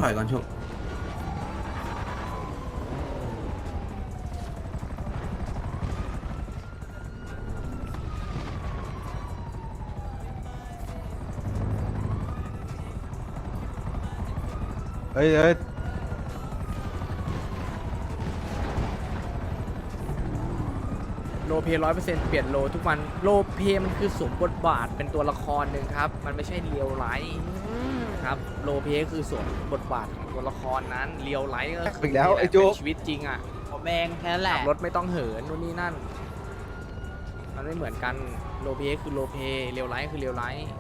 ถอยก่อนชุบเฮ้ยเฮ้ยโลเพ100%เปลี่ยนโลทุกวันโลเพมันคือสวมบทบาทเป็นตัวละครหนึ่งครับมันไม่ใช่เรียวไลท์ครับโลเพคือสวมบทบาทของตัวละครนั้นเรียวไลท์ก็คืออีกแล้วไอ้โจ๊กเป็นชีวิตจริงอ่ะผมเองแค่นั้นแหขัละบรถไม่ต้องเหินนู่นนี่นั่นมันไม่เหมือนกันโลเพคือโลเพเรียวไลท์คือเรียวไลท์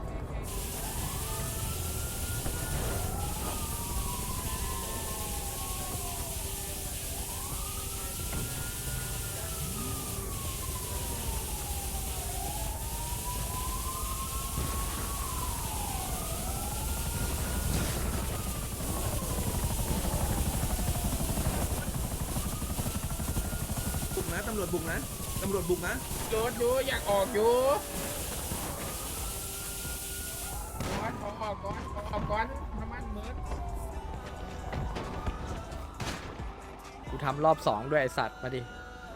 บุกนะตำรวจบุกนะตำรวจบุกนะรถอยู่อยากออกอยู่ก่อนออกก่อนออกก่อนน้ำมันเหมือนกูทำรอบ2ด้วยไอสัตว์มาดิ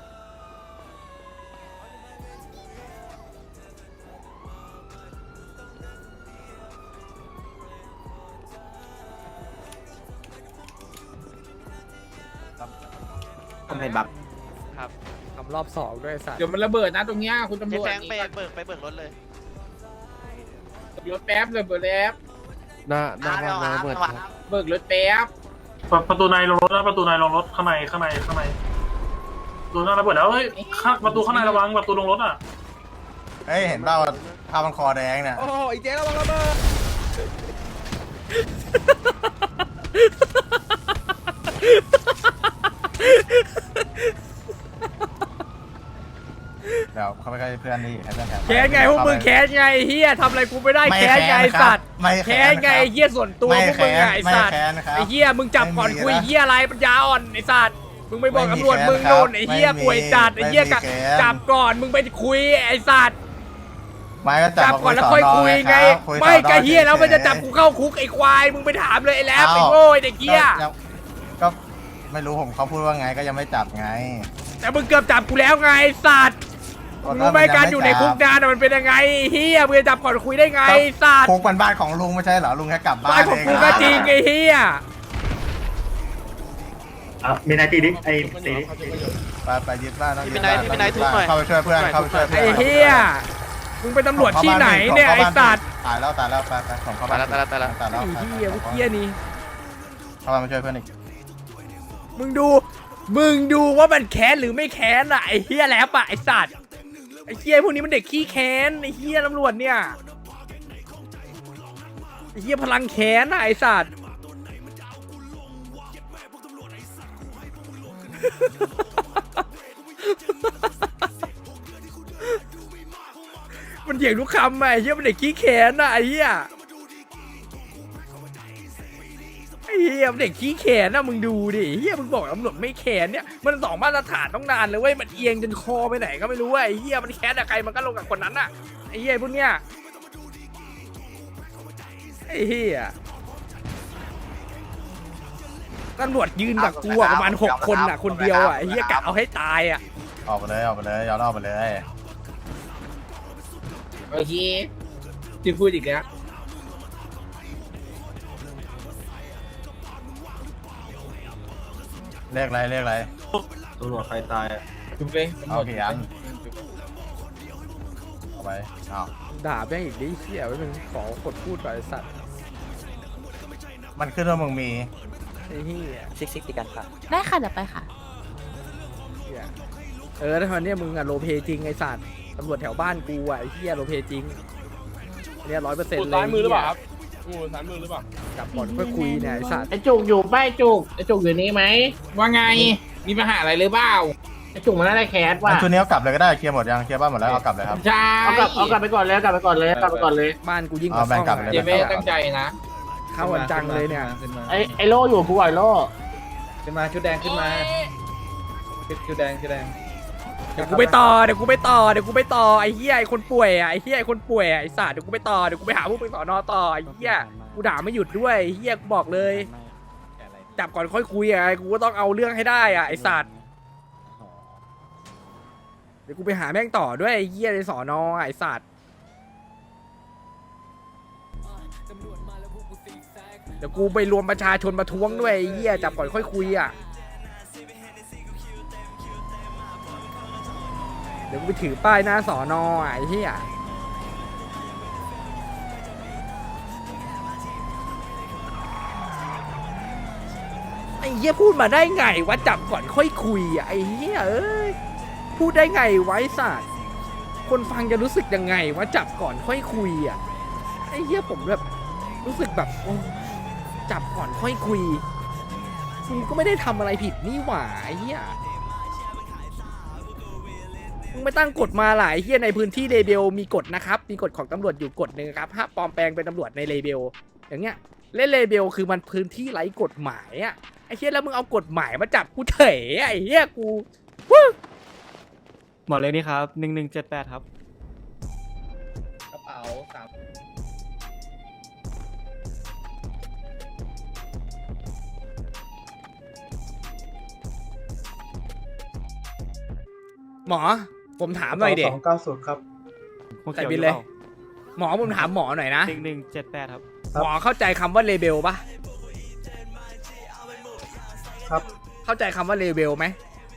ทำให้บักครับทำรอบ2ด้วยไอ้สัตว์เดี๋ยวมันระเบิดนะตรงเนี้ยคุณตำรเจ๊วจแฟงไปเบิกรถเลยรถแป๊บเลยเบิกแล้วหน้าบ้านเปิดครับเบิกรถแป๊บประตูในลงรถนะประตูในลงรถข้างในประตูหน้าระเบิดแล้วเฮ้ยประตูข้างในระวังประตูลงรถอ่ะเฮ้ยเห็นเปล่าผ้ามันคอแดงเนี่ยโอ้โหไอ้เจ๊ระวังระเบิดเดี๋ยวเขาไปใกล้เพื่อนนี่ให้เพื่อนแทนแค้นไงพวกมึงแค้นไงเฮียทำอะไรกูไม่ได้แค้นไงไอ้สัตว์ไม่แค้นไงไอ้เฮียส่วนตัวพวกมึงไงไอ้สัตว์ไม่แค้นครับไอ้เฮียมึงจับก่อนคุยเฮียอะไรปัญญาอ่อนไอ้สัตว์มึงไปบอกตำรวจมึงโดนไอ้เฮียป่วยจัดไอ้เฮียจับก่อนมึงไปคุยไอ้สัตว์ไม่ก็จับก่อนแล้วค่อยคุยไงไม่กะเฮียแล้วมันจะจับกูเข้าคุกไอ้ควายมึงไปถามเลยไอ้แล้วไอ้โง่ไอ้เด็กเฮียก็ไม่รู้ผมเขาพูดว่าไงก็ยังไม่จับไงแต่มึงเกือบจับกูแล้วไงไอ้สัตว์มึงรู้ไหมการอยู่ในคุกนานมันเป็นยังไงเฮียมึงจะจับก่อนคุยได้ไงไอ้สัตว์คุกมันบ้านของลุงไม่ใช่เหรอลุงแค่กลับบ้านบ้านของกูก็จริงไอ้เฮียมีนายตีดิไอ้ตีดิไปยึดบ้านต้องพี่เป็นนายทุบหน่อยเข้าไปช่วยเพื่อนเข้าไปช่วยเพื่อนไอ้เฮียมึงเป็นตำรวจที่ไหนเนี่ยไอ้สัตว์ตายแล้วไปส่งเข้าบ้านตายแล้วตายแล้วไอ้เฮียพวกเฮียนี่เข้าบ้านมาช่วยเพื่อนอีกมึงดูว่ามันแค้นหรือไม่แค้นอะไอ้เฮียแล้วปะไอ้สัตว์ไอ้เฮียพวกนี้มันเด็กขี้แค้นไอ้เฮียตำรวจเนี่ยไอ้เฮียพลังแค้นอะไอ้สัตว์ มันเถียงทุกคำอะไอ้เฮียมันเด็กขี้แค้นอะไอ้เฮียมันเด็กขี้แขนนะมึงดูดิเฮียมึงบอกตำรวจไม่แขนเนี่ยมัน2มาตรฐานต้องนานเลยเว้ยมันเอียงจนคอไปไหนก็ไม่รู้ไอ้เฮียมันแขนอะใครมันก็ลงกับคนนั้นอะไอ้เฮียพวกเนี้ยไอ้เฮียตำรวจยืนกับกูอะประมาณ6 คนอะคนเดียวอะไอ้เฮียกะเอาให้ตายอะออกไปเลยย้อนออกไปเลยโอเคที่พูดอีกแล้วเรียกอะไรตำรวจใครตายจุ๊บเลยเอากี่อันเอาไปเอาด่าแม่งอีกดิเฮียไว้มึงขอกดพูดก่อนไอ้สัตว์มันขึ้นว่ามึงมีไอ้เฮียซิกตีกันค่ะได้ค่ะเดี๋ยวไปค่ะเหี้ยแล้วตอนเนี้ยมึงอะโลเพจริงไอ้สัตว์ตำรวจแถวบ้านกูอะไอ้เฮียโลเพจริงเนี่ย100%เลยซ้ายมือหรือเปล่าครับซ้ายมือหรือเปล่าจับก่อนค่อยคุยเนี่ยไอ้สัตว์ไอจุกอยู่ป้าไอจุกอยู่นี่ไหมว่าไงมีปัญหาอะไรหรือเปล่าไอจุกมันน่าจะแคสว่ะชุดนี้เอากลับเลยก็ได้เคลียร์หมดยังเคลียร์บ้านหมดแล้วเอากลับเลยครับใช่เอากลับไปก่อนเลยบ้านกูยิ่งกเอาว่าแบ่งซ่องกลับเลยเจเบ้ตั้งใจนะเข้าวันจังเลยเนี่ยไอโลอยู่กูไอโลขึ้นมาชุดแดงขึ้นมาชุดแดงเดี๋ยวกูไปต่อไอ้เหี้ยไอ้คนป่วยอ่ะไอ้เหี้ยไอ้คนป่วยอ่ะไอ้สัตว์เดี๋ยวกูไปต่อเดี๋ยวกูไปหาพวกไปสอนอต่อไอ้เหี้ยกูด่าไม่หยุดด้วยไอ้เหี้ยกูบอกเลยจับก่อนค่อยคุยอะกูก็ต้องเอาเรื่องให้ได้อะไอสัตว์เดี๋ยวกูไปหาแม่งต่อด้วยไอ้เหี้ยในสอนอไอสัตว์เดี๋ยวกูไปรวมประชาชนประท้วงด้วยไอ้เหี้ยจับก่อนค่อยคุยอะเดี๋ยวกูไปถือป้ายหน้าสอนอไอ้เหี้ยไอ้เหี้ยพูดมาได้ไงว่าจับก่อนค่อยคุยอ่ะไอ้เหี้ยเอ้ยพูดได้ไงไว้สัตว์คนฟังจะรู้สึกยังไงว่าจับก่อนค่อยคุยอ่ะไอ้เหี้ยผมแบบรู้สึกแบบโอ้จับก่อนค่อยคุยกูก็ไม่ได้ทำอะไรผิดนี่หว่าไอ้เหี้ยมึงไม่ตั้งกฎมาหลายเหี้ยในพื้นที่เลเบลมีกฎนะครับมีกฎของตำรวจอยู่กฎหนึ่งครับห้ามปลอมแปลงเป็นตำรวจในเลเบลอย่างเงี้ยเล่นเลเบลคือมันพื้นที่ไร้กฎหมายอ่ะไอ้เหี้ยแล้วมึงเอากฎหมายมาจับกูเถอะไอ้เหี้ยกูวู้หมอเล็กนี่ครับ1178ครับกระเป๋าสามหมอผมถามหน่อยเด็ก 290ครับหัวใส่เขียวบินอเลยปาหมอผมถามหมอหน่อยนะ 1178ครับหมอเข้าใจคำว่าเลเบลปะครับเข้าใจคำว่าเลเบลไหม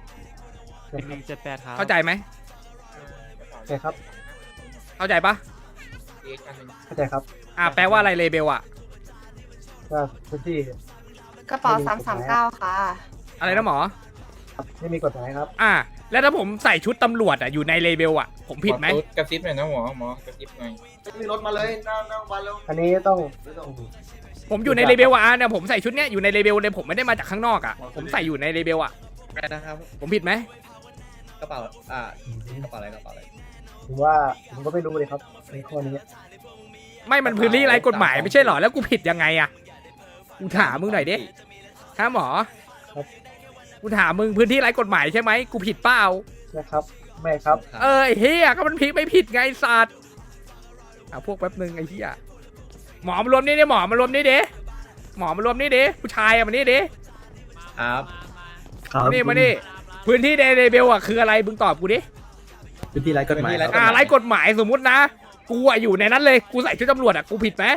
1178ครับเข้าใจไหมใช่ครับเข้าใจปะเข้าใจครับแปลว่าอะไรเลเบลอะก็พื้นที่กระเป๋า339ค่ะอะไรนะหมอไม่มีกฎหมายครับแล้วถ้าผมใส่ชุดตำรวจอยู่ในเลเบลผมผิดไหมกระซิบหน่อยนะหมอกระซิบหน่อยมีรถมาเลยนั่งมาแล้วอันนี้ต้องผมอยู่ในเลเบลเนี่ยผมใส่ชุดเนี้ยอยู่ในเลเบลเลยผมไม่ได้มาจากข้างนอกผมใส่อยู่ในเลเบลอะไรนะครับผมผิดไหมกระเป๋า กระเป๋าอะไรผมว่าผมก็ไม่รู้เลยครับในข้อนี้ไม่มันพื้นที่ไร้กฎหมายไม่ใช่หรอแล้วกูผิดยังไงกูถามมึงหน่อยดิฮะหมอครับกูถามมึงพื้นที่ไร้กฎหมายใช่ไหมกูผิดเปล่านะครับ ไม่ครับไอ้เฮียก็มันผิดไม่ผิดไงสัตว์พวกแป๊บนึงไอ้เฮียหมอมารวมนี่ดิหมอมารวมนี่ดิหมอมารวมนี่ดิผู้ชายมานี่ดิครับนี่มานี่พื้นที่ในเลเบลคืออะไรมึงตอบกูดิพื้นที่ไร้กฎหมายไร้กฎหมายสมมุตินะกูอยู่ในนั้นเลยกูใส่ชุดตำรวจกูผิดไหม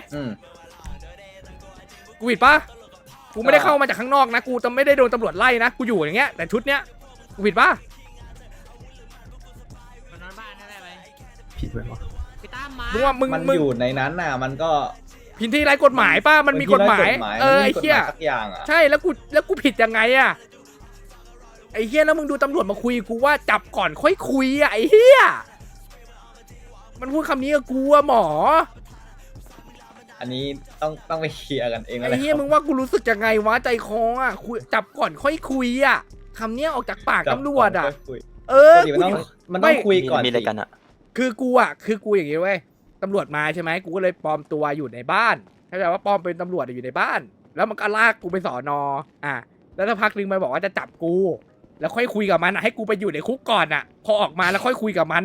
กูผิดปะกูไม่ได้เข้ามาจากข้างนอกนะกูจะไม่ได้โดนตำรวจไล่นะกูอยู่อย่างเงี้ยแต่ชุดเนี้ยกูผิดปะผิดไหมวะมึงว่ามึงมันอยู่ในนั้นน่ะมันก็พื้นที่ไร้กฎหมายป้ามันมีกฎหมายไอ้เหี้ยสักอย่างอ่ะใช่แล้วกูผิดยังไงไอ้เหี้ยแล้วมึงดูตำรวจมาคุยกูว่าจับก่อนค่อยคุยไอ้เหี้ยมันพูดคำนี้กับกูหมออันนี้ต้องไปเคลียร์กันเองไอ้เหี้ยมึงว่ากูรู้สึกยังไงวะใจคอคุยจับก่อนค่อยคุยคำเนี้ยออกจากปากตำรวจมันต้องคุยก่อนมีอะไรกันอะคือกูอย่างงี้เว้ยตำรวจมาใช่ไหมกูก็เลยปลอมตัวอยู่ในบ้านเข้าใจว่าปลอมเป็นตำรวจอยู่ในบ้าน แล้วมันก็ลากกูไปสอนอแล้วถ้าพักนึงมันบอกว่าจะจับกูแล้วค่อยคุยกับมันให้กูไปอยู่ในคุกก่อนพอออกมาแล้วค่อยคุยกับมัน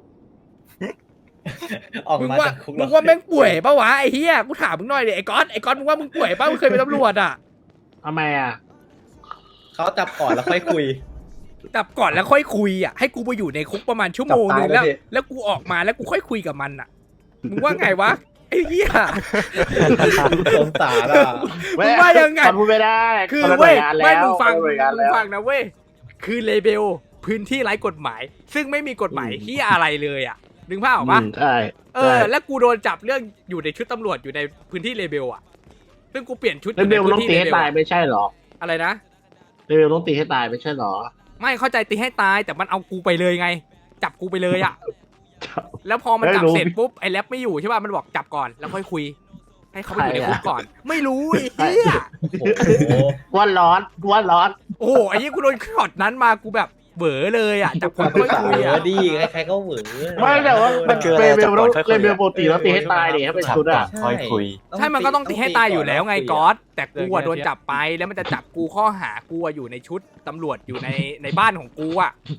มึงว่าแม่งป่วยปะวะไอ้เหี้ยกูถามมึงหน่อยดิไอ้ก๊อตมึงว่ามึงป่วยปะมึงเคยเป็นตำรวจทำไมอ่ะเขาจับก่อนแล้วค่อยคุยจับก่อนแล้วค่อยคุยให้กูไปอยู่ในคุกประมาณชั่วโมงนึงแล้วกูออกมาแล้วกูค่อยคุยกับมันมึงว่าไงวะไอ้เหี้ยสงสารมึงว่ายังไงพูดไม่ได้คือเว้ยไม่มึงฟังนะเว้ยคือเลเบลพื้นที่ไร้กฎหมายซึ่งไม่มีกฎหมายที่อะไรเลยนึกภาพออกปะใช่แล้วกูโดนจับเรื่องอยู่ในชุดตำรวจอยู่ในพื้นที่เลเบลซึ่งกูเปลี่ยนชุดเลเบลต้องตีให้ตายไม่ใช่หรออะไรนะเลเบลต้องตีให้ตายไม่ใช่หรอไม่เข้าใจตีให้ตายแต่มันเอากูไปเลยไงจับกูไปเลยแล้วพอมันจับเสร็จปุ๊บไอ้แรปไม่อยู่ใช่ป่ะมันบอกจับก่อนแล้วค่อยคุยให้เขาไปอยู่ในคุกก่อนไม่รู้ไอ้เหี้ยวันร้อนโอ้โหไอ้ยี่กูโดนช็อตนั้นมากูแบบเบ๋อเลยจับคนค่อยคุยดีใครๆก็เหวอไม่แต่ว่ามันเลเบลปกติแล้วตีให้ตายดิให้เป็นชุดค่อยคุยใช่มันก็ต้องตีให้ตายอยู่แล้วไงก๊อตแต่กูโดนจับไปแล้วมันจะจับกูข้อหากูอยู่ในชุดตำรวจอยู่ในบ้านของกู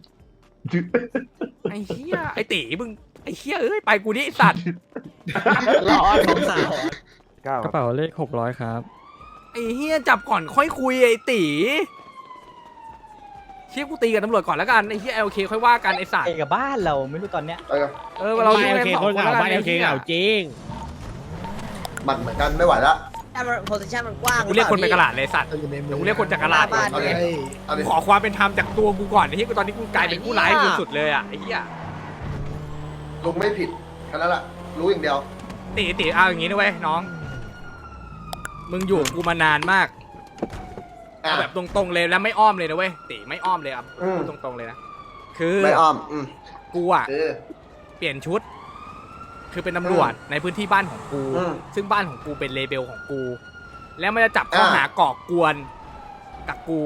ไอ้เหี้ยไอ้ตีมึงไอ้เหี้ยไปกูนี่สัตว์ร้อนสงสารกระเป๋าเลข600ครับไอ้เฮียจับก่อนค่อยคุยไอ้ตีเชี่ยกูตีกับตำรวจก่อนแล้วกันไอ้เฮียโอเคค่อยว่ากันไอ้สัตว์ไอ้กับบ้านเราไม่รู้ตอนเนี้ยเราอยู่กันสองคนแล้วกันไอ้เฮียบัตรเหมือนกันไม่ไหวละแต่มันโพสิชันมันกว้างกูเรียกคนไปกระลาดเลยสัตว์เดี๋ยวกูเรียกคนจากกระลาดบ้านเอาดิเนี่ยเอาดิขอความเป็นธรรมจากตัวกูก่อนไอ้เฮียกูตอนนี้กูกลายเป็นผู้ร้ายสุดๆเลยอ่ะไอ้เฮียลุงไม่ผิดแค่นั้นแหละรู้อย่างเดียวตีเอาอย่างงี้นะเว้ยน้องมึงอยู่กับกูมานานมากอ่ะเอาแบบตรงๆเลยแล้วไม่อ้อมเลยนะเว้ยตีไม่อ้อมเลยอ่ะอืมพูดตรงๆเลยนะคือไม่อ้อมกูอ่ะคือเปลี่ยนชุด คือเป็นตำรวจในพื้นที่บ้านของกูอืมซึ่งบ้านของกูเป็นเลเบลของกู แล้วมันจะจับข้อหาก่อกวนกับกู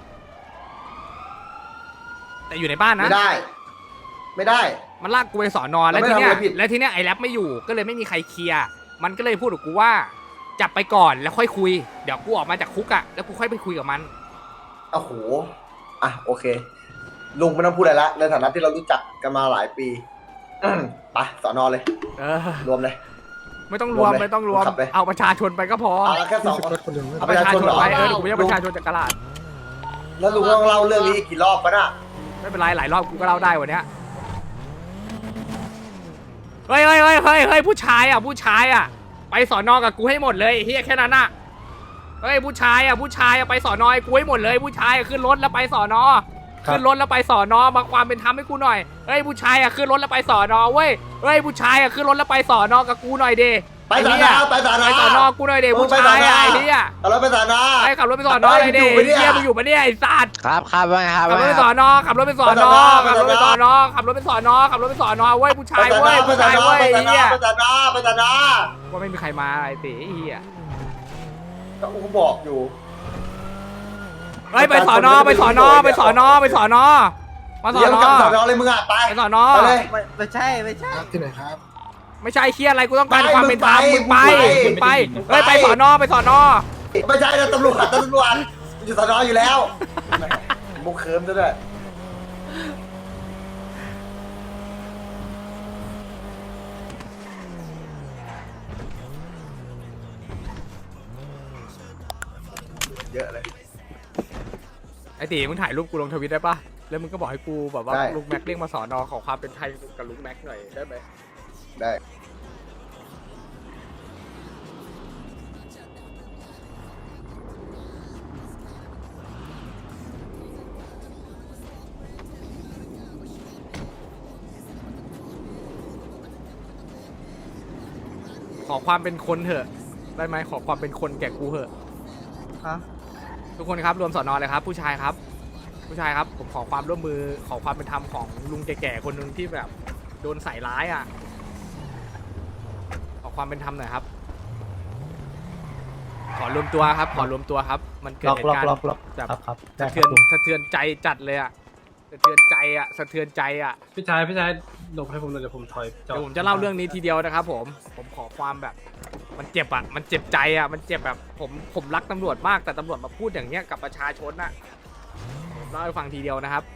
แต่อยู่ในบ้านนะไม่ได้ ไม่ได้มันลากกูไปสอนอเราแล้วไม่ทีเนี้ยทำอะไรผิดแล้วทีเนี้ยไอ้แรปไม่อยู่ก็เลยไม่มีใครเคลียร์มันก็เลยพูดกับกูว่า จับไปก่อนแล้วค่อยคุยเดี๋ยวกูออกมาจากคุกอะแล้วกูค่อยไปคุยกับมันโอ้โหอ่ะโอเค ลุงไม่ต้องพูดอะไรละในฐานะที่เรารู้จักกันมาหลายปีไปสอนอเลยเออรวมเลยไม่ต้องรวมรวมเลยไม่ต้องรวมขับเลยเอาประชาชนไปก็พอเอาละแค่สองคนเอาเอาปประ ระชาชาชชนนเหรอไปกูไม่ใช่ประชาชนจากกระลาดแล้วลุงต้องเล่าเรื่องนี้อีกกี่รอบปะน่ะไม่เป็นไรหลายรอบกูก็เล่าได้วันเนี้ยเฮ้ยผู้ชายอ่ะไปสอนอกับกูให้หมดเลยเฮียแค่นั้นอ่ะเฮ้ยผู้ชายอ่ะไปสอนอให้กูให้หมดเลยผู้ชายอะขึ้นรถแล้วไปสอนอขึ้นรถแล้วไปสอนอมาความเป็นธรรมให้กูหน่อยเฮ้ยผู้ชายอ่ะขึ้นรถแล้วไปสอนอเว้ยเฮ้ยผู้ชายอ่ะขึ้นรถแล้วไปสอนอกับกูหน่อยดิไปสอนอไปสอนอไปสอนอกูหน่อยดิผู้ชายอ่ะไอ้เฮียเอาแล้วไปสอนอไอ้ขับรถไปสอนอเลยดิไปอยู่ปะเนี่ยเฮียมึงอยู่ปะเนี่ยไอ้สัตว์ครับว่าไงครับขับรถไปสอนอขับรถไปสอนอขับรถไปสอนอขับรถไปสอนอขับรถไปสอนอเว้ยผู้ชายเว้ยผู้ชายเว้ยไอ้เฮียไปสอนอไปสอนอว่าไม่มีใครมาไอ้ตีไอ้เฮียก็กูบอกอยู่เฮ้ยไปสอนอมาสอนเดี๋อยวมาสอนอเดี๋ยวกลับสอนอเลยมึงอ่ะไปไปสอนอไปเลยไม่ใช่ที่ไหนครับไม่ใช่เฮียอะไรกูต้องการไปความเป็นธรรมมึมึงงไปไปเฮ้ยไปสอนอไปสอนอไม่ใช่นะตำรวจอยู่สอนออยู่แล้วมุกเคิร์มซะด้วยเยอะเลยไอ้ตีมึงถ่ายรูปกูลงทวิตได้ปะแล้วมึงก็บอกให้กูแบบว่าได้ลุงแม็กเรียกมาสอนอขอความเป็นไทยกับลุงแม็กหน่อยได้ไหมได้ขอความเป็นคนเถอะได้ไหมขอความเป็นคนแก่กูเถอะฮะทุกคนครับรวมสอนอเลยครับ ผู้ชายครับ ผู้ชายครับผมขอความร่วมมือขอความเป็นธรรมของลุงแก่ๆคนหนึ่งที่แบบโดนใส่ร้ายอ่ะขอความเป็นธรรมหน่อยครับ ขอรวมตัวครับขอรวมตัวครับ มันเกิดเหตุการณ์แบบครับสะเทือนใจจัดเลยอ่ะสะเทือนใจอ่ะสะเทือนใจอ่ะพี่ชายหลบให้ผมหน่อยเดี๋ยวผมถอยเดี๋ยวผมจะเล่าเรื่องนี้ทีเดียวนะครับผมขอความแบบ มันเจ็บอ่ะมันเจ็บใจอ่ะมันเจ็บแบบผมรักตำรวจมากแต่ตำรวจมาพูดอย่างเงี้ยกับประชาชนอ่ะผมเล่าให้ฟังทีเดียวนะครับ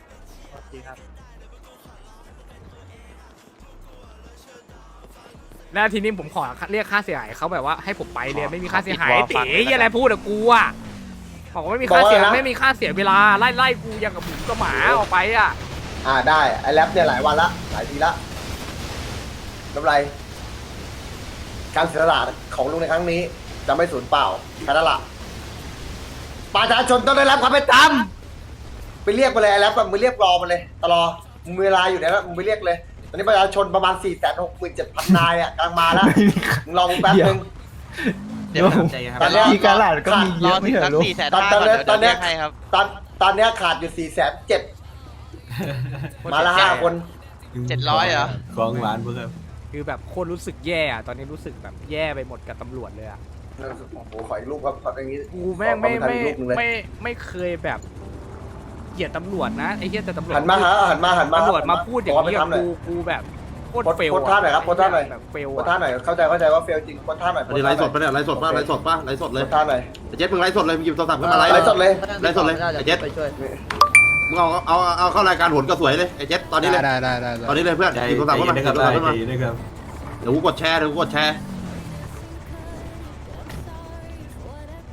แล้วทีนี้ผมขอเรียกค่าเสียหายเขาแบบว่าให้ผมไปเลยไม่มีค่าเสียหายเต๋ยอะไรพูดกับกูอ่ะบอกว่าไม่มีค่าเสียไม่มีค่าเสียเวลาไล่กูอย่างกับหมูกับหมาออกไปอ่ะได้ไอ้แรปเนี่ยหลายวันละหลายทีละไม่เป็นไรการเสียสละของลุงในครั้งนี้จะไม่สูญเปล่าแค่นั้นละประชาชนต้องได้รับความเป็นธรรมไปเรียกมาเลยไอ้แรปมึงเรียกรอมาเลยตลอมึงมีเวลาอยู่แล้วมึงไปเรียกเลยตอนนี้ประชาชนประมาณ 467,000 นายอ่ะกำลังมาแล้วมึงรอมึงแป๊บนึงเดี๋ยวผมใจครับตอนเนี้ยที่กาลาดก็มีเยรออะถึไม่งเหรสัอก ลูก 400,000 ก่อนเดี๋ยวเรียกให้ครับตอนเนี้ยขาดอยู่407,000มาละ5 คน 700เหรอของหวานเพื่อนคือแบบโคตรรู้สึกแย่อะตอนนี้รู้สึกแบบแย่ไปหมดกับตำรวจเลยอะโอ้โหขออีกรูปครับขออย่างนี้กูแม่งขอความเป็นธรรอีกรูปหนึ่งเลยไม่เคยแบบเกลียดตำรวจนะไอ้เหี้ยแต่ตำรวจหันมาตำรวจมาพูดอย่างนี้กับหน่อยกูแบบโคตรโพสต์เฟลโพสต์ท่าหน่อยครับโพสต์ท่าหน่อยแบบเฟลโพสท่าหน่อยเข้าใจว่าเฟลจริงโพสท่าหน่อยอันนี้ไลฟ์สดปะเนี่ยไลฟ์สดป่ะไลฟ์สดป่ะไลฟ์สดเลยโพสท่าหน่อยไอ้เจ็ดมึงไลฟ์สดเลยมึงหยิบโทรศัพท์ขึ้นมาไลฟ์ไลฟ์สดเลยไลฟ์สดเลยไอ้เจ็ดมึงเอาเข้ารายการโหนกระสวยเลยไอ้เจ็ดตอนนี้เลยตอนนี้เลยเพื่อนหยิบโทรศัพท์ขึ้นมาหยิบโทรศัพท์ขึ้นมาเดี๋ยวกูกดแชร์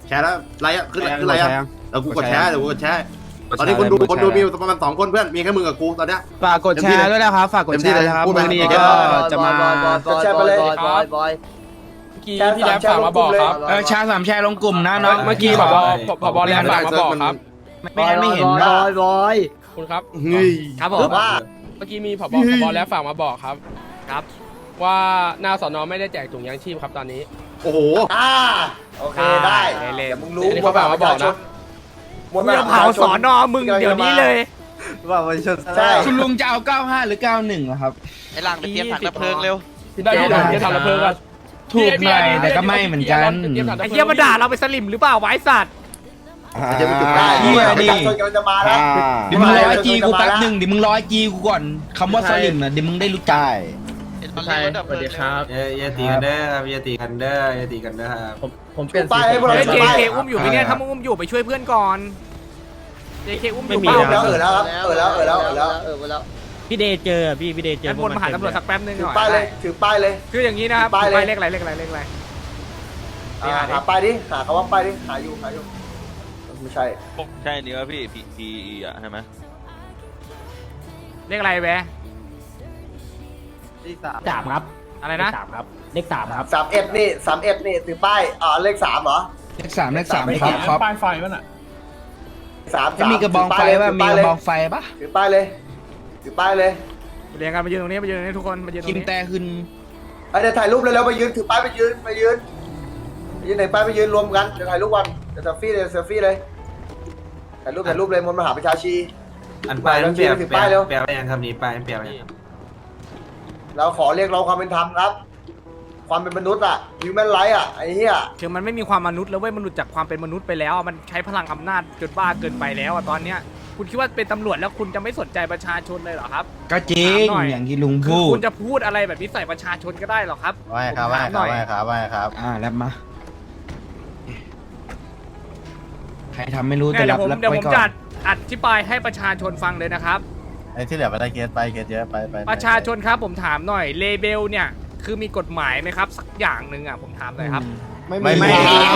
แชร์แล้วไลค์ขึ้นไลค์แล้วกูกดแชร์ตอนนี้คนดูมีประมาณ2 คนเพื่อนมีแค่มึงกับกูตอนเนี้ยฝากกดแชร์ด้วยนะครับฝากกดแชร์นะครับพูดไปวันนี้เดี๋ก็ยวจะมาแชร์ไปเลยบอยพี่แรปฝากมาบอกครับแชร์3แชร์ลงกลุ่มนะน้องเมื่อกี้ผบแลนฝากมาบอกครับไม่งั้นไม่เห็นบอยคุณครับครับผมว่าเมื่อกี้มีผบแล้วฝากมาบอกครับครับว่าหน้าสอนอไม่ได้แจกถุงยางชีพครับตอนนี้โอ้โหโอเคได้เล่นเดี๋ยวมึงรู้อันนี้เขาฝากมาบอกนะมึงจะเผาสอนอมึงเดี๋ยวนี้เลยใช่คุณลุงจะเอา95หรือ91ครับไอ้หลังไปเตรียมถังดับเพลิงเร็วได้ที่ผมจะทำระเบิดกันถูกหน่อยแต่ก็ไม่เหมือนกันไอ้เหี้ยมาด่าเราไปสลิมหรือเปล่าไวะไอ้สัตว์จะไปจุดได้ได้เหี้ยนี่กำลังจะมาแล้วเดี๋ยวมึงร้อยจีกูแป๊บหนึ่งเดี๋ยวมึงร้อยจีกูก่อนคำว่าสลิมนะเดี๋ยวมึงได้รู้จักใช่สวัสดีครับอย่าตีกันเด้อครับอย่าตีกันเด้ออย่าตีกันเด้อครับผมเปลี่ยนป้ายให้พวกเราเฮ้ยชูป้าย JK อุ้มอยู่ไหมเนี่ยถ้ามึงอุ้มอยู่ไปช่วยเพื่อนก่อน JK อุ้มอยู่ป้าเปล่าแล้วครับแล้วแล้วพี่เดย์เจอพี่เดย์เจองั้นวนมาหาตำรวจสักแป๊บนึงถืหอน่อยป้ายเลยถือป้ายเลยคืออย่างนี้นะครับป้ายเลยป้ายเลขอะไรเลขอะไรเลขอะไรหาป้ายดิหาคำว่าป้ายดิหาอยู่ไม่ใช่ใช่นี่ว่าพี่พีอ่ะใช่ไหมเลขอะไรแวะ 3ครับอะไรนะ 3ครับเลข3ครับ 31นี่ถือป้ายเลข3เหรอเลข3ครับป้ายไฟป่ะน่ะ 3 จะมีกระบองไฟป่ะมีกระบองไฟป่ะถือป้ายเลยเรียงกันมายืนตรงนี้มายืนตรงนี้ทุกคนมายืนตรคิงมนี้แต่ขึ้นเดี๋ยวถ่ายรูปเร็วๆไปยืนถือป้ายไปยืนไหนป้ายไปยืนรวมกันเดี๋ยวถ่ายรูปวันเดี๋ยวเซลฟี่เลยถ่ายรูปเลยมนต์มหาประชาชีอันป้ายนั้นเปลี่ยนถือป้ายเร็วแปลว่ายังคำนี้ป้ายเปลี่ยนยังเราขอเรียกร้องความเป็นธรรมครับ ความเป็นมนุษย์อะhuman right อะไอ้เหี้ยคือมันไม่มีความมนุษย์แล้วเว้ยมันหลุดจากความเป็นมนุษย์ไปแล้วมันใช้พลังอำนาจจนบ้าเกินไปแล้วอะตอนเนี้ยคุณคิดว่าเป็นตำรวจแล้วคุณจะไม่สนใจประชาชนเลยเหรอครับก็จริงถามหน่อยอย่างที่ลุงคือพูดคุณจะพูดอะไรแบบนี้ใส่ประชาชนก็ได้เหรอครับว่าครับผมถามหน่อยแล้วมาใครทำไม่รู้เนี่ยแต่เดี๋รัยวบผมรับเดี๋ยวไว้ผมก่อนจะอธิบายให้ประชาชนฟังเลยนะครับไอ้ที่เหลือไปได้เกสเยอะไปประชาชนครับผมถามหน่อยเลเบลเนี่ยคือมีกฎหมายไหมครับสักอย่างหนึ่งอ่ะผมถามหน่อยครับไม่มี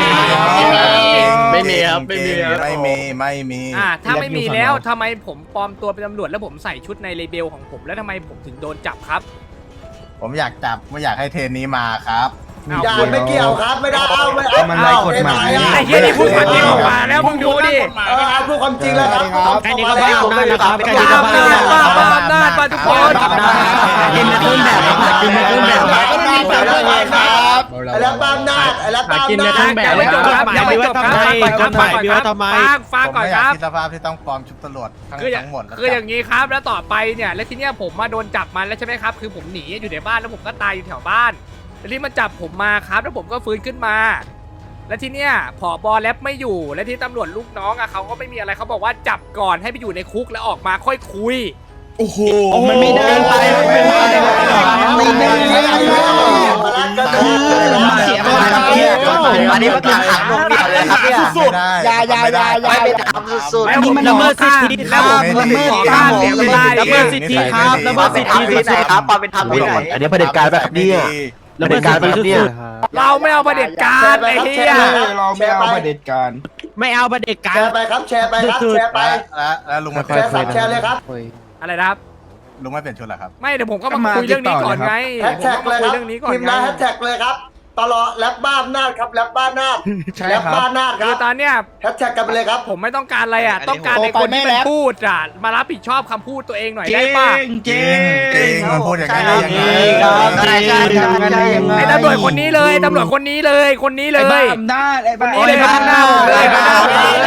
ถ้าไม่มีแล้วทำไมผมปลอมตัวเป็นตำรวจแล้วผมใส่ชุดในเลเบลของผมแล้วทำไมผมถึงโดนจับครับผมอยากจับไม่อยากให้เทรนนี้มาครับอย่าไม่เกี่ยวครับไม่ได้เอาไม่มันไร้กฎหมายไอ้เหี้ยนี่พูดความจริงออกมาแล้วมึงดูดิเอาพูดความจริงแล้วครับไอ้นี่ก็บ้าอำนาจนะครับไอ้นี่ก็บ้าอำนาจมาทุกคนกินในต้นแบบกินในต้นแบบก็มีแต่เรื่องอะไรครับไอ้แล้วตามนาจยังไม่จบครับยังไม่จบครับฟังผมก่อนไม่อคยากรับคิดสภาพที่ต้องปลอมชุดตำรวจทั้งหมดคืออย่างนี้ครับแล้วต่อไปเนี่ยแล้วทีเนี้ยผมมาโดนจับมาแล้วใช่ไหมครับคือผมหนีอยู่ในบ้านแล้วผมก็ตายอยู่แถวบ้านแล้วที่มันจับผมมาครับแล้วผมก็ฟื้นขึ้นมา แล้วทีเนี้ยผบ.แรปไม่อยู่และที่ตำรวจลูกน้องอะเขาก็ไม่มีอะไรเขาบอกว่าจับก่อนให้ไปอยู่ในคุกแล้วออกมาค่อยคุยโอ้โหมันไม่ได้ไปเสียมันอันนี้มันขังลงเดียวเลยครับเนี่ยสุดไม่ไปทำสุดอันนี้มันละเมิดสิทธิแล้วผมละเมิดค่าเสียเวลาละเมิดสิทธิครับละเมิดสิทธิที่ไหนครับความเป็นธรรมที่ไหนอันนี้เผด็จการแบบนี้ระเบิดการแบบนี้เราไม่เอาประเด็จการไอ้เหี้ยเราไม่เอาประเด็จการไม่เอาประเด็จการแชร์ไปครับแชร์ไปแล้วลุงมาแชร์สับแชร์เลยครับอะไรนะครับลุงไม่เปลี่ยนชุดเหรอครับไม่เดี๋ยวผมก็มาคุยเรื่องนี้ก่อนไงแฮชแท็กเลยคุคยรับเรื่องนี้ก่อนพิมพ์ไงนะแฮชแท็กเลยครับตลอดแรปบ้าอำนาจครับแรปบ้าอำนาจใช่แรปครับบ้าอำนาจคคืรัอบ ตอนเนี้ยแฮชแท็กกันไปเลยครับผมไม่ต้องการอะไรอ่ะต้องการในคนที่มันพูดอ่ะมารับผิดชอบคำพูดตัวเองหน่อยได้ป่ะจริงมันพูดอย่างนี้ได้ยังไงไอ้ตำรวจคนนี้เลยตำรวจคนนี้เลยคนนี้เลไอ้บ้าย อำนาจไอ้บ้าคนนี้เลยข้างหน้าผมเลยข้างหน้าผมเลย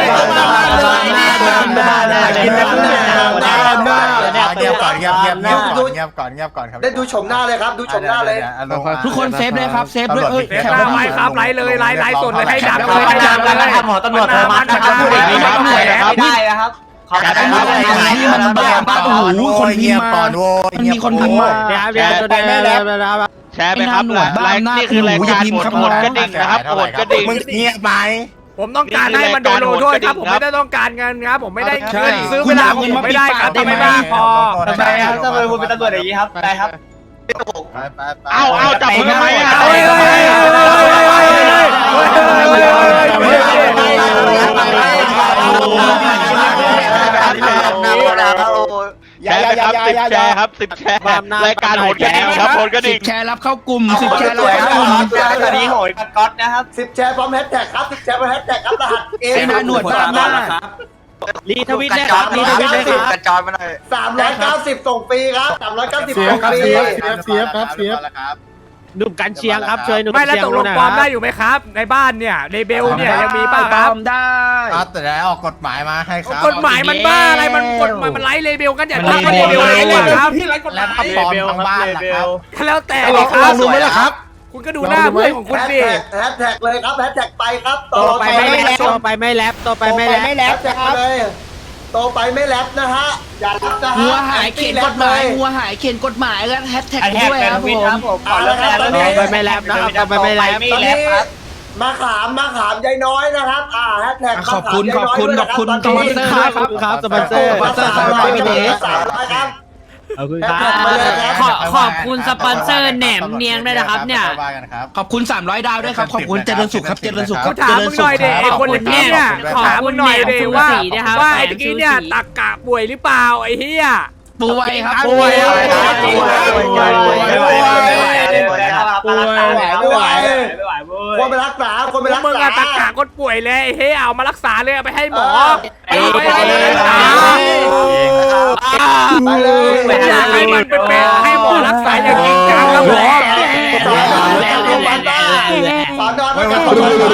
เงียบก่อนครับได้ดูชมหน้าเลยครับดูชมหน้าเลยทุกคนเซฟเลยครับเซฟด้วยเสียตาไว้ครับไล่เลยไล่สดเลยให้ดับเลยให้ดับเลยหมอตำรวจโทรมาจะพูดอย่างนี้ไม่ได้นะครับเขาจะทำอะไรที่มันบ้าโอ้โหคนพิมพ์มามันมีคนพิมพ์มาแชร์ไปครับนี่คือรายการโหดกระดิ่งนะครับโหดกระดิ่งมึงเงียบไหมผมต้องการให้มันโดนลงโทษครับผมไม่ได้ต้องการเงินครับผมไม่ได้เงินซื้อเวลาผมไม่ได้ครับไม่ได้พอทำไมครับทำไมคุณเป็นตำรวจอย่างนี้ครับได้ครับเอาจับผมทำไมอ่ะเฮ้ยแชร์ครับ10แชร์รายการโหนกระดิ่งครับโหนกระดิ่งแชร์รับเข้ากลุ่ม 10 10 แชร์รับเข้ากลุ่มตอนนี้โหยกับก๊อตนะครับ 10 แชร์พร้อมแฮชแท็กครับ10 แชร์พร้อมแฮชแท็กครับรหัสเอไอ้หน้าหนวดบ้าหน้ารีทวิตนะครับรีทวิตเลยครับกระจายมาหน่อย 390ส่งฟรีครับ390ส่งฟรีหนุ่มกันเชียงครับช่วยหนุ่มไม่แล้วตกลงปลอมได้อยู่ไหมครับ ในบ้านเนี่ยในเบลเนี่ยยังมีป่ะครับครับแต่แล้วออกกฎหมายมาให้ครับกฎหมายมันบ้าอะไรมันกฎหมายมันไล่เลเบลกันอย่าตั้งว่าเลเบลอะไรเลยครับแล้วถ้าปลอมทั้งบ้านล่ะครับแล้วแต่เลยครับดูไหมล่ะครับ คุณก็ดูหน้าเพื่อนของคุณสิแฮชแท็กเลยครับแฮชแท็กไปครับโตไปไม่แลบโตไปไม่แลบโตไปไม่แลบแฮชแท็กเลยโตไปไม่แลบนะฮะอย่าแลบนะฮะหัวหายเขียนกฎหมายหัวหายเขียนกฎหมายแล้วแฮชแท็กด้วยครับผมเอาละครับตอนนี้โตไปไม่แลบนะครับโตไปไม่แลบตอนนี้มาขามยายน้อยนะครับแฮชแท็กขอบคุณสปอนเซอร์ครับสปอนเซอร์ 300ครับขอบคุณแฮคชรับแท็กมาเลยครับขอบคุณสปอนเซอร์แหนมเนียงด้วยนะครับเนี่ยขอบคุณ300 ดาวด้วยครับ ขอบคุณเจริญสุขครับเจริญสุขคกูรับถามมึงหน่อยดิไอ้คนตะกี้เนี่ยถามมึงหน่อยดิว่าไอ้ตะกี้เนี่ยตักกะป่วยหรือเปล่าไอ้เหี้ยป่วยครับป่วยครับไม่ไหวคนไปรักษาคนไปรักมึงษาอะตักกะคนป่วยเลยเฮ้ยเอามารักษาเลยเอาไปให้หมอไปรักษาไปเลยอยากให้มันเป็นให้หมอรักษาอย่างจริงจังครับหมอสอนนอนไม่กัน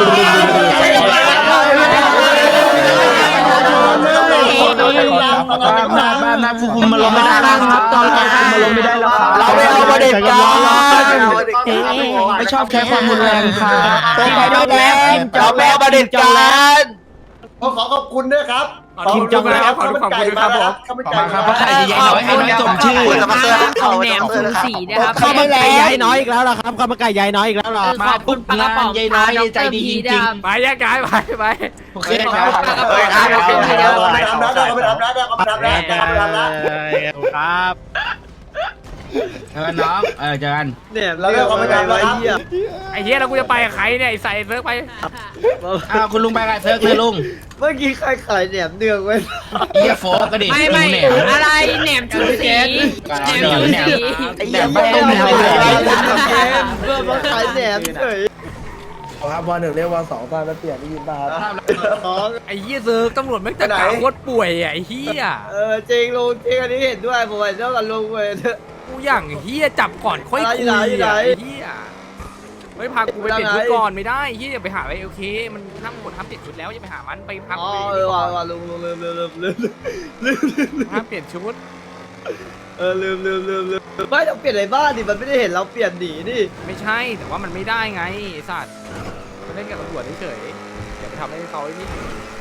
บ้านนะคุมมาลงไม่ได้แล้วครับตอนคุมมาลงไม่ได้แล้วครับเราไม่เอาประเด็นกันไม่ชอบใช้ความรุนแรงค่ะเราไม่เอาประเด็นกันขอขอบคุณด้วยครับขอบคุณครับขอบคุณครับผมข้าวมันไก่ครับเพราะใครจะย้ายน้อยให้น้อยสมชื่อของแหนม04นะครับข้าวมันไก่ย้ายน้อยอีกแล้วเหรอครับข้าวมันไก่ย้ายน้อยอีกแล้วเหรอมาปุ๊บงานยายน้อยใจดีจริงไปแยกย้ายไปๆโอเคครับไปทำนะไปทำนะไปทำนะครับเจอกันน้องเจอกันเราเลิกเขาไปทำแล้วครับไอ้เหี้ยแล้วกูจะไปกับใครเนี่ยไอ้ใส่เซิร์ฟไปคุณลุงไปกับเซิร์ฟเลยลุงเมื่อกี้ใครขายแหนมเนืองไว้เฮียโฟก็ดิไม่อะไรแหนมชูสีแหนมแหนมแหนมไม่ต้องแหนมเพื่อมาขายแหนมเฉยครับวันหนึ่งเรียกวันสองตอนแล้วเปลี่ยนได้ยินป่ะครับไอ้เหี้ยเซิร์ฟตำรวจไม่จัดการโคตรป่วยอ่ะไอ้เหี้ยจริงลุงจริงอันนี้เห็นด้วยผมเห็นด้วยกับลุงเลยกูอย่างเหี้ยจับก่อนค่อยคุยอ่ะไอ้เหี้ยไม่พากูไปเปลี่ยนชุดก่อนไม่ได้เหี้ยอย่าไปหาไอ้โอเคมันห้ามกดห้ามเปลี่ยนชุดแล้วอย่าไปหามันไปพักอ๋อ ว่าลุงลืมห้ามเปลี่ยนชุดลืมไม่ต้องเปลี่ยนในบ้านดิมันไม่ได้เห็นเราเปลี่ยนหนีดิไม่ใช่แต่ว่ามันไม่ได้ไงไอ้สัตว์ไปเล่นกับตำรวจเฉยๆอย่าไปทำให้เขาไอ้นี่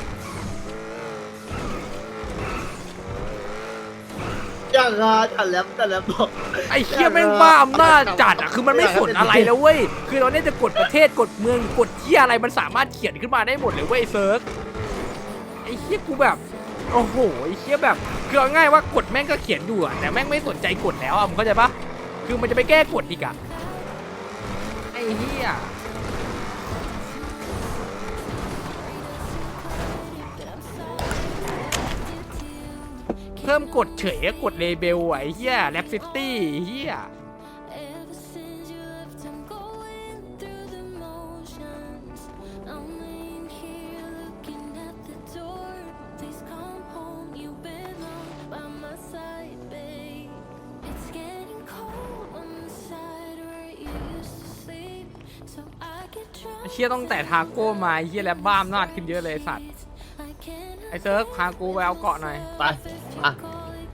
อย่างงาแต่แล้วบอกไอ้เหี้ยแม่งบ้าอำนาจจัดอ่ะคือมันไม่สนอะไรแล้วเว้ยคือเราเนี่ยจะกดประเทศกดเมืองกดเหี้ยอะไรมันสามารถเขียนขึ้นมาได้หมดเลยเว้ยเซิร์ฟไอ้เหี้ยกูแบบโอ้โหไอ้เหี้ยแบบคือเอาง่ายว่ากดแม่งก็เขียนอยู่อะแต่แม่งไม่สนใจกดแล้วอ่ะมึงเข้าใจปะคือมันจะไปแก้กฎอีกอ่ะไอ้เหี้ยเพิ่มกดเฉยกดเลเบลไอ้เหี้ยแรปซิตี้เหี้ย ไอ้เชี่ยต้องแต่ทาโก้มาไอ้เชี่ยแล้วบ้ามนาดขึ้นเยอะเลยสัตว์ไอ้เซิร์ฟพากูไปเอาเกาะหน่อยไปอ่ะ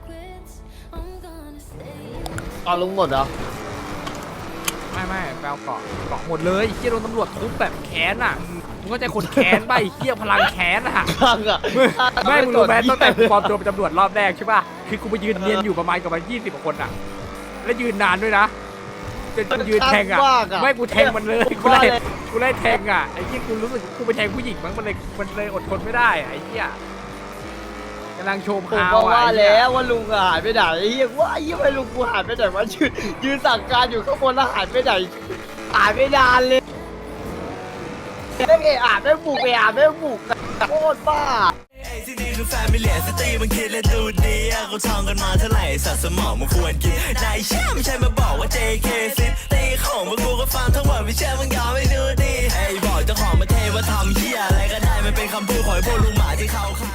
ตอนลุงหมดเหรอไม่ไปเอาเกาะหมดเลยไอ้เชี่ยโดนตำรวจทุบแบบแค้นอ่ะมึงก็ใจคนแค้นป่ะไอ้เชี่ยพลังแค้นอ่ะข้างอ่ะไม่มึงรู้ไหมตั้งแต่กูปลอมตัวเป็นตำรวจรอบแรกใช่ป่ะคือกูไปยืนเนียนอยู่ประมาณกับมัน20 กว่าคนอ่ะแล้วยืนนานด้วยนะจนยืนแทงอ่ะไม่กูแทงมันเลยกูไล่แทงอ่ะไอ้เชี่ยกูรู้สึกกูไปแทงผู้หญิงมั้งมันเลยอดทนไม่ได้ไอ้เชี่ยกำลังชมผมข่าวว่าแล้วว่าลุงหายไปไหนเฮียว่าไอ้เฮียไม่ลุงกูหายไปไหนวะยืนสั่งการอยู่ข้างบนแล้วหายไปไหนหายไปนานเลยไม่เอะอาบไม่บุกโคตรบ้าไอ้ที่นี่คือแฟมิเลียซิตี้มันคิดและดูดีเขาท่องกันมาเท่าไหร่สัตว์สมองมันควรกินนายเชื่อไม่ใช่มาบอกว่า JK ซิตี้ของพวกกูก็ฟังทั้งหมดไม่เชื่อมึงยอมไม่ดูดีไอ้บอกเจ้าของมาเทว่าทำเหี้ยอะไรก็ได้มันเป็นคำพูดของไอ้พวกลุงหมาที่เขา